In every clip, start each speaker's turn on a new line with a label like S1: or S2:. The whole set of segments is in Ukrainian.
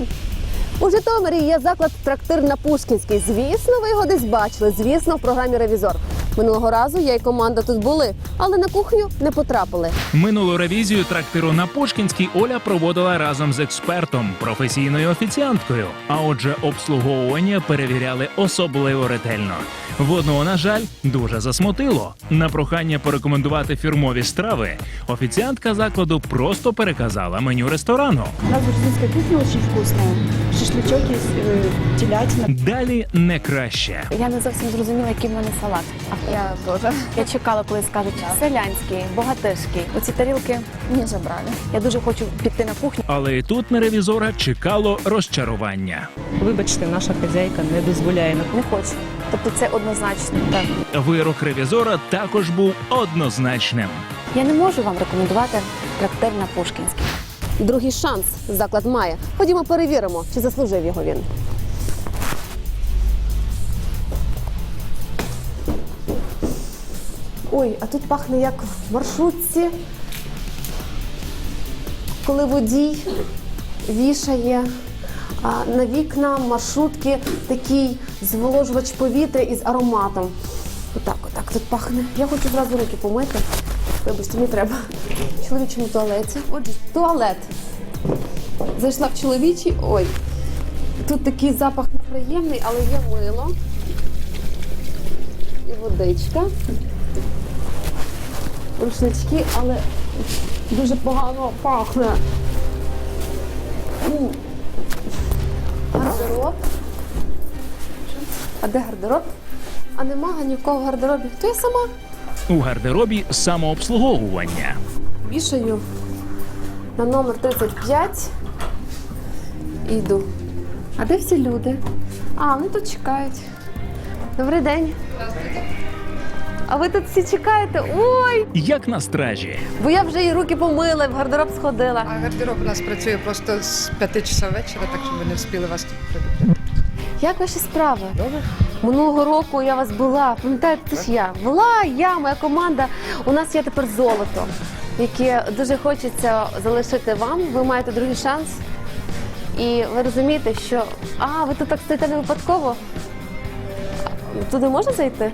S1: У Житомирі є заклад «Трактир на Пушкінській». Звісно, ви його десь бачили. Звісно, в програмі «Ревізор». Минулого разу я і команда тут були, але на кухню не потрапили.
S2: Минулу ревізію трактиру на Пушкінській Оля проводила разом з експертом, професійною офіціанткою. А отже, обслуговування перевіряли особливо ретельно. Водного, на жаль, дуже засмутило. На прохання порекомендувати фірмові страви офіціантка закладу просто переказала меню ресторану.
S3: У нас грузинская кухня очень вкусная. Шашлычок есть, телятина.
S2: Далі не краще.
S4: Я не зовсім зрозуміла, який в мене салат.
S1: Я теж.
S4: Я чекала, коли скажуть селянський, богатирський. Оці тарілки не забрали. Я дуже хочу піти на кухню.
S2: Але і тут на ревізора чекало розчарування.
S5: Вибачте, наша хазяйка не дозволяє.
S4: Не хочу. Тобто це однозначно. Так.
S2: Вирок ревізора також був однозначним.
S4: Я не можу вам рекомендувати трактир на Пушкінській.
S1: Другий шанс заклад має. Ходімо перевіримо, чи заслужив його він. Ой, а тут пахне як в маршрутці, коли водій вішає на вікна маршрутки такий зволожувач повітря із ароматом. Отак тут пахне. Я хочу зразу руки помити. Вибачте, мені треба. В чоловічому туалеті. Отже, туалет. Зайшла в чоловічий. Ой, тут такий запах неприємний, але є мило. І водичка. Рушнички, але дуже погано пахне. Гардероб. А де гардероб? А нема нікого в гардеробі. То я сама
S2: У гардеробі самообслуговування.
S1: вішаю на номер 35 і йду. А де всі люди? А, вони тут чекають. Добрий день. А ви тут всі чекаєте? Ой!
S2: Як на стражі.
S1: Бо я вже і руки помила, і в гардероб сходила.
S6: А гардероб у нас працює просто з 5 часов вечора, так що ми не встигли вас тут предупредити.
S1: Як ваші справи? Добре. Минулого року я вас була, пам'ятаєте, це ж я. Була, моя команда. У нас є тепер золото, яке дуже хочеться залишити вам. Ви маєте другий шанс. І ви розумієте, що... А, ви тут так стоїте не випадково? Туди можна зайти?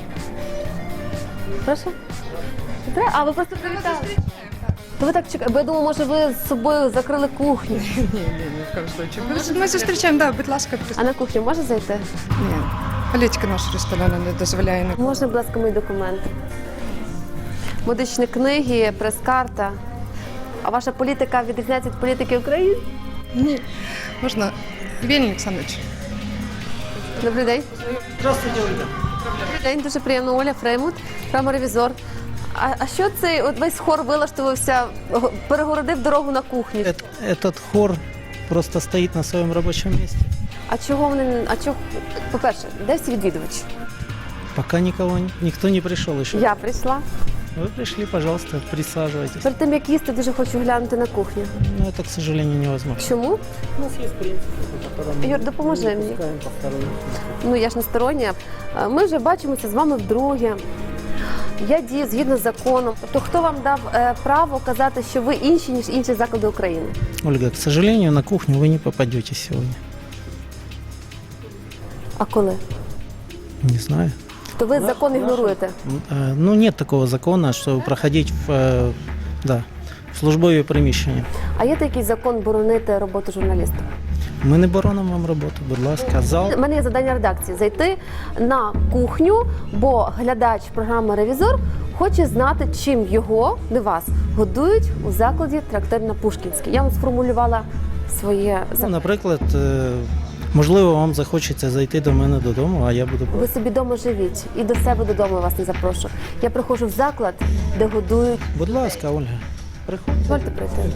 S1: Прошу? Не треба? А, ви просто привітали. То ви так чекаєте, бо я думала, може ви з собою закрили кухню.
S6: Ні, ні в коем случае. Ми зустрічаємо, да, будь ласка,
S1: А на кухню можна зайти?
S6: Ні, політика нашого ресторану не дозволяє.
S1: Можна, будь ласка, мої документи? Медичні книги, прес-карта. А ваша політика відрізняється від політики України?
S6: Ні. Можна? Євгеній Олександрович.
S1: Добрий день. Здравствуйте, Ольга. Добрий день, дуже приємно. Оля Фреймут, програма-ревізор. А що цей от весь хор вилаштувався, перегородив дорогу на кухню?
S7: Этот хор просто стоит на своем рабочем месте.
S1: А чого вони, по-перше, де всі відвідувачі?
S7: Пока никто не пришел еще.
S1: Я прийшла.
S7: Вы пришли, пожалуйста, присаживайтесь.
S1: Перед тим, як їсти, дуже хочу глянути на кухню.
S7: Но это, к сожалению, невозможно.
S1: Чому?
S7: У нас есть принцип, по которому
S1: Юр, допоможи
S7: не
S1: мені.
S7: пускаем посторонних.
S1: Ну, я ж не стороння. Ми вже бачимося з вами вдруге. Я дію згідно з законом. Тобто, хто вам дав право казати, що ви інші, ніж інші заклади України?
S7: Ольга, к сожалению, на кухню вы не попадете сегодня.
S1: А коли?
S7: Не знаю.
S1: То ви закон ігноруєте?
S7: Ну, нет такого закона, что проходить в службові приміщення.
S1: А є такий закон боронити роботу журналіста?
S7: Ми не боронимо вам роботу, будь ласка. Зал.
S1: У мене є завдання редакції – зайти на кухню, бо глядач програми «Ревізор» хоче знати, чим його, не вас, годують у закладі «Трактир на Пушкінській». Я вам сформулювала своє
S7: Ну,
S1: завдання.
S7: наприклад, можливо, вам захочеться зайти до мене додому, а я буду
S1: Ви собі вдома живіть, і до себе додому вас не запрошу. Я приходжу в заклад, де годують.
S7: Будь ласка, Ольга, приходьте.
S1: Дозвольте прийти.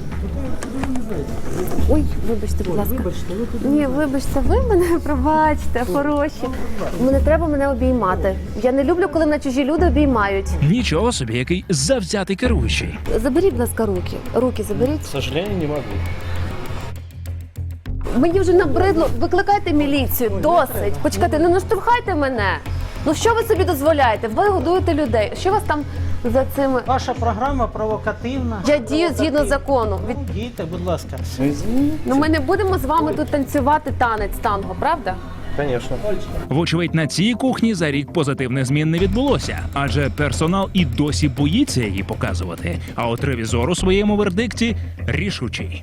S1: Ой, вибачте, будь ласка. Ні, вибачте, ви мене пробачте, хороші. Не треба мене обіймати. Я не люблю, коли мене чужі люди обіймають.
S2: Нічого собі, який завзятий керуючий.
S1: Заберіть, будь ласка, руки. Руки заберіть.
S7: К сожалению, не могу.
S1: Мені вже набридло. Викликайте міліцію. Досить. Почекайте, не наштовхайте мене. Ну що ви собі дозволяєте? Ви годуєте людей. Що у вас там за цими.
S7: Ваша програма провокативна.
S1: Я дію згідно закону.
S7: Дійте, будь ласка.
S1: Ну ми не будемо з вами тут танцювати танець танго, правда?
S2: Вочевидь, на цій кухні за рік позитивних змін не відбулося, адже персонал і досі боїться її показувати. А от ревізор у своєму вердикті рішучий.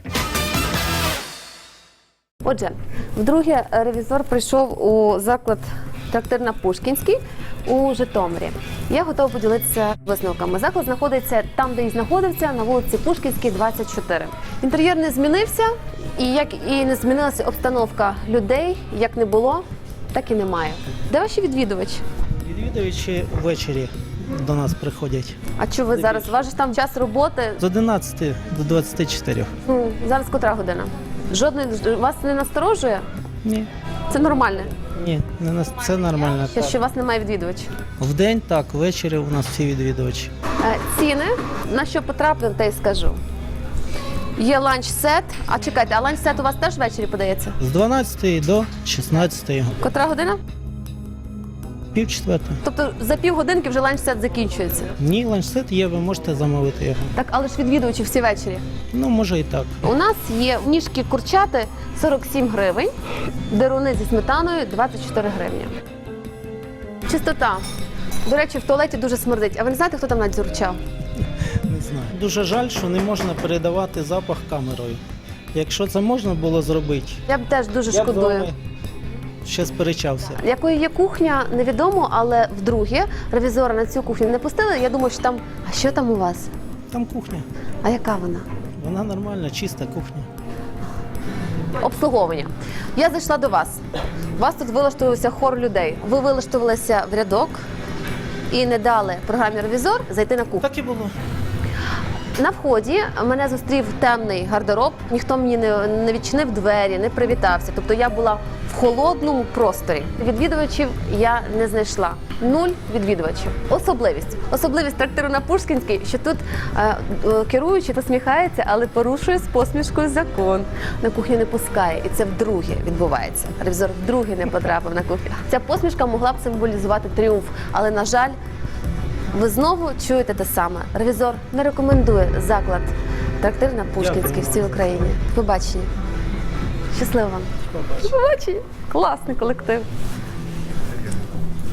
S1: Отже, вдруге ревізор прийшов у заклад «Трактир на Пушкінській» у Житомирі. Я готова поділитися висновками. Заклад знаходиться там, де і знаходився, на вулиці Пушкінській, 24. Інтер'єр не змінився, і як і не змінилася обстановка людей, як не було, так і немає. Де ваші відвідувачі?
S7: Відвідувачі ввечері до нас приходять.
S1: А що ви зараз? У вас же там час роботи.
S7: З 11 до 24.
S1: Ну, зараз котра година? Жодної вас не насторожує?
S7: Ні.
S1: Це нормально.
S7: Ні, це нормально. Так.
S1: Що у вас немає відвідувачів?
S7: Вдень так, ввечері у нас всі відвідувачі.
S1: Ціни, на що потраплю, те й скажу. Є ланч-сет. А чекайте, а ланч-сет у вас теж ввечері подається?
S7: З 12 до 16.
S1: Котра година?
S7: Пів-четверта.
S1: Тобто за півгодинки вже ланч-сет закінчується.
S7: Ні, ланчсет є, ви можете замовити його.
S1: Так, але ж відвідувачі всі ввечері.
S7: Ну, може і так.
S1: У нас є ніжки курчати 47 гривень, деруни зі сметаною 24 гривні. Чистота. До речі, в туалеті дуже смердить. А ви не знаєте, хто там надзюрчав?
S7: Не знаю. Дуже жаль, що не можна передавати запах камерою. Якщо це можна було зробити,
S1: Я б теж дуже
S7: я б з
S1: шкодую.
S7: вами ще сперечався.
S1: Якою є кухня, невідомо, але вдруге ревізора на цю кухню не пустили. Я думаю, що там. А що там у вас?
S7: Там кухня.
S1: А яка вона?
S7: Вона нормальна, чиста кухня.
S1: Обслуговування. Я зайшла до вас. У вас тут вилаштувався хор людей. Ви вилаштувалися в рядок і не дали програмі ревізор зайти на кухню.
S7: Так і було.
S1: На вході мене зустрів темний гардероб, ніхто мені не відчинив двері, не привітався. Тобто я була в холодному просторі. Відвідувачів я не знайшла. 0 відвідувачів. Особливість трактиру на Пушкінській, що тут керуючий посміхається, але порушує з посмішкою закон. На кухню не пускає. І це вдруге відбувається. Ревізор вдруге не потрапив на кухню. Ця посмішка могла б символізувати тріумф, але, на жаль, ви знову чуєте те саме. Ревізор не рекомендує заклад «Трактир на Пушкінській» всій Україні. Побачення. Щасливо вам. Побачення. Класний колектив.